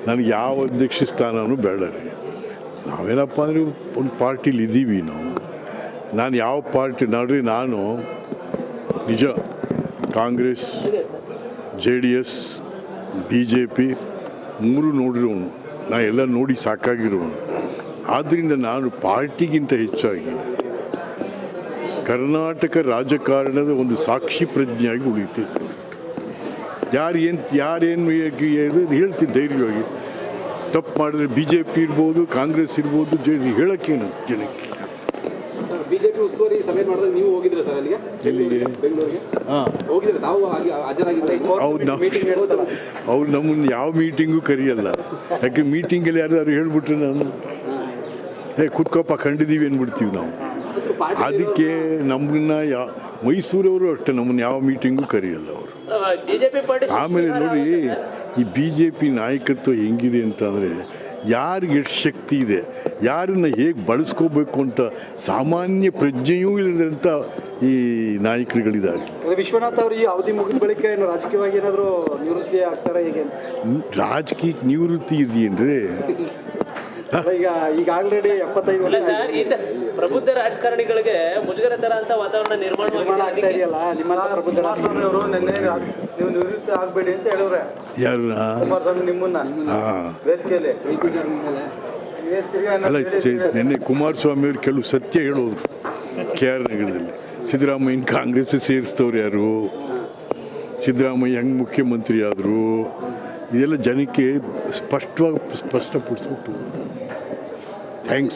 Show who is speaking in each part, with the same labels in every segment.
Speaker 1: ನನಗೆ ಯಾವ ಅಧ್ಯಕ್ಷ ಸ್ಥಾನವೂ ಬೇಡ ರೀ. ನಾವೇನಪ್ಪ ಅಂದರೆ ಒಂದು ಪಾರ್ಟಿಲಿ ಇದ್ದೀವಿ ನಾನು ಯಾವ ಪಾರ್ಟಿ ನೋಡ್ರಿ, ನಾನು ನಿಜ ಕಾಂಗ್ರೆಸ್, JDS, BJP ಮೂರು ನೋಡಿರೋನು, ನಾ ಎಲ್ಲ ನೋಡಿ ಸಾಕಾಗಿರೋನು. ಆದ್ದರಿಂದ ನಾನು ಪಾರ್ಟಿಗಿಂತ ಹೆಚ್ಚಾಗಿ ಕರ್ನಾಟಕ ರಾಜಕಾರಣದ ಒಂದು ಸಾಕ್ಷಿ ಪ್ರಜ್ಞೆಯಾಗಿ ಉಳಿತಿದ್ದೆ. ಯಾರೇನು ಹೇಳ್ತೀನಿ ಧೈರ್ಯವಾಗಿ. ತಪ್ಪು ಮಾಡಿದ್ರೆ BJP ಇರ್ಬೋದು, ಕಾಂಗ್ರೆಸ್ ಇರ್ಬೋದು, ಹೇಳೋಕ್ಕೇನು ಜನಕ್ಕೆ.
Speaker 2: ಬಿಜೆಪಿ ಉಸ್ತುವಾರಿ ಸಭೆ ಮಾಡಿದಾಗ ನೀವು ಹೋಗಿದ್ರೆ ಸರ್ ಅಲ್ಲಿಗೆ? ಬೆಂಗಳೂರಿಗೆ ಹೋಗಿದ್ರೆ ತಾವು ಹಾಜರಾಗಿದ್ದರೆ?
Speaker 1: ಅವ್ರು ನಮ್ಮನ್ನು ಯಾವ ಮೀಟಿಂಗು ಕರೆಯಲ್ಲ. ಯಾಕೆ ಮೀಟಿಂಗಲ್ಲಿ ಯಾರು ಹೇಳ್ಬಿಟ್ರೆ ನಾನು ಕೂತ್ಕೊಪ್ಪ ಕಂಡಿದ್ದೀವಿ ಅಂದ್ಬಿಡ್ತೀವಿ ನಾವು. ಅದಕ್ಕೆ ನಮ್ಮನ್ನ ಮೈಸೂರವರು ಅಷ್ಟೇ ನಮ್ಮನ್ನು ಯಾವ ಮೀಟಿಂಗು ಕರೆಯಲ್ಲ ಅವರು. ಆಮೇಲೆ ನೋಡಿ, ಈ BJP ನಾಯಕತ್ವ ಹೆಂಗಿದೆ ಅಂತಂದರೆ ಯಾರಿಗೆ ಎಷ್ಟು ಶಕ್ತಿ ಇದೆ, ಯಾರನ್ನು ಹೇಗೆ ಬಳಸ್ಕೋಬೇಕು ಅಂತ ಸಾಮಾನ್ಯ ಪ್ರಜ್ಞೆಯೂ ಇಲ್ಲದಂಥ ಈ ನಾಯಕರುಗಳಿದ್ದಾರೆ.
Speaker 3: ವಿಶ್ವನಾಥ್ ಅವರು ಈ ಅವಧಿ ಮುಗಿದ ಬಳಿಕ ಏನು ರಾಜಕೀಯವಾಗಿ ಏನಾದರೂ ನಿವೃತ್ತಿ ಆಗ್ತಾರೆ? ಹೇಗೆ
Speaker 1: ರಾಜಕೀಯಕ್ಕೆ ನಿವೃತ್ತಿ ಇದೆಯೇನ್ರಿ?
Speaker 3: ಈಗ ಆಲ್ರೆಡಿ 75 ವರ್ಷ
Speaker 4: ಪ್ರಬುದ್ಧ ರಾಜಕಾರಣಿಗಳಿಗೆ ಮುಜುಗರ ತರ ಅಂತ ವಾತಾವರಣ ನಿರ್ಮಾಣ
Speaker 3: ಆಗ್ತಾ ಇದೆಯಲ್ಲ. ನಿಮ್ಮಂತ ಪ್ರಬುದ್ಧ ರಾಜಕಾರಣಿಯವರು ನಿನ್ನೆ ನೀವು ನಿವೃತ್ತಿ ಆಗಬೇಡಿ ಅಂತ ಹೇಳಿದ್ರೆ
Speaker 1: ಯಾರು?
Speaker 3: ಕುಮಾರಸ್ವಾಮಿ ನಿಮ್ಮನ್ನ ವೇದಿಕೆಯಲ್ಲಿ
Speaker 1: ಅಲ್ಲ, ನಿನ್ನೆ ಕುಮಾರಸ್ವಾಮಿ ಅವರು ಕೆಲವು ಸತ್ಯ ಹೇಳೋರು KR ನಗರದಲ್ಲಿ. ಸಿದ್ದರಾಮಯ್ಯನ ಕಾಂಗ್ರೆಸ್ ಸೇರಿಸ್ತವ್ರು ಯಾರು? ಸಿದ್ದರಾಮಯ್ಯ ಹೆಂಗೆ ಮುಖ್ಯಮಂತ್ರಿ ಆದರು? ಇದೆಲ್ಲ ಜನಕ್ಕೆ ಸ್ಪಷ್ಟಪಡಿಸ್ಬಿಟ್ಟು. ಥ್ಯಾಂಕ್ಸ್.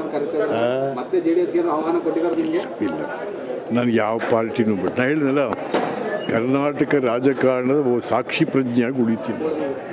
Speaker 1: ಇಲ್ಲ, ನಾನು ಯಾವ ಪಾರ್ಟಿನೂ ಬಿಟ್ಟು, ನಾನು ಹೇಳಿದ್ನಲ್ಲ, ಕರ್ನಾಟಕ ರಾಜಕಾರಣದ ಸಾಕ್ಷಿ ಪ್ರಜ್ಞೆಯಾಗಿ ಉಳಿತೀನಿ.